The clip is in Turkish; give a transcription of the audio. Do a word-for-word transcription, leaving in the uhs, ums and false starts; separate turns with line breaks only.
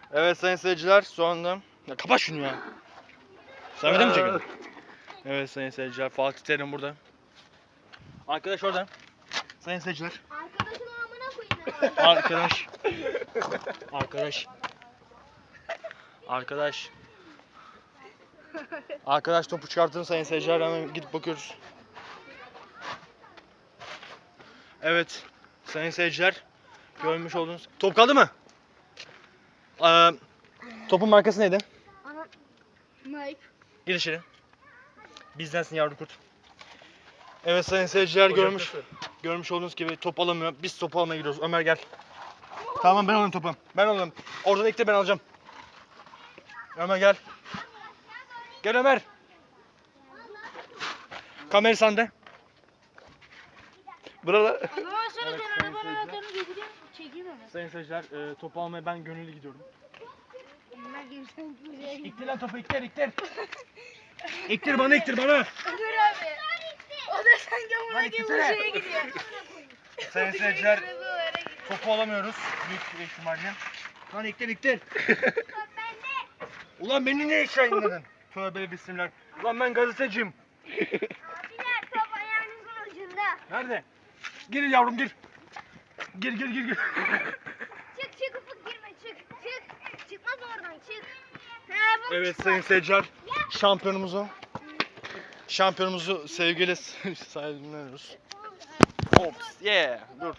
Evet sayın seyirciler şu anda... Ya kapat şunu ya. Sen video mi çekiyorsun? Evet sayın seyirciler, Fatih Terim burada. Arkadaş orada. Sayın seyirciler.
Arkadaşın amına koyayım.
Arkadaş. Arkadaş. Arkadaş. Arkadaş topu çıkarttın sayın seyirciler, hemen gidip bakıyoruz. Evet sayın seyirciler, görmüş olduğunuz top kaldı mı? Ee, topun markası neydi?
Ana. Nike.
Gir içeri. Bizdensin yavru kurt. Evet sayın seyirciler, görmüş görmüş olduğunuz gibi top alamıyor. Biz topu almaya gidiyoruz. Ömer gel. Tamam ben alayım topu. Ben alayım. Oradan ilk de ben alacağım. Ömer gel. Gel Ömer. Kamera sende. Burada.
O zaman sonra
Evet,
sen
sayın
arabanın
seyirciler.
anahtarını getireyim. Çekeyim onu.
Sayın seyirciler, e, topu almaya ben gönüllü gidiyorum.
Ben girsen buraya git.
İktir lan topu, iktir iktir. İktir bana, iktir bana.
Dur abi. O da sanki
Lan
amına gibi
iktisene.
şeye gidiyor.
Sayın seyirciler,
Arabalara gidiyor.
topu alamıyoruz büyük ihtimalle. Lan iktir iktir. Ulan beni ne işe yayınladın? Tövbe bismillah. Ulan ben gazeteciyim.
Abiler top ayağınızın ucunda.
Nerede? Gir yavrum gir. Gir gir gir gir.
Çık çık ufuk girme çık çık. Çıkmaz oradan çık. Ha, bu
Evet
çıkmaz.
sayın seyirciler, şampiyonumuzu şampiyonumuzu sevgiyle saygılıyoruz. Ops, yeah. Dur.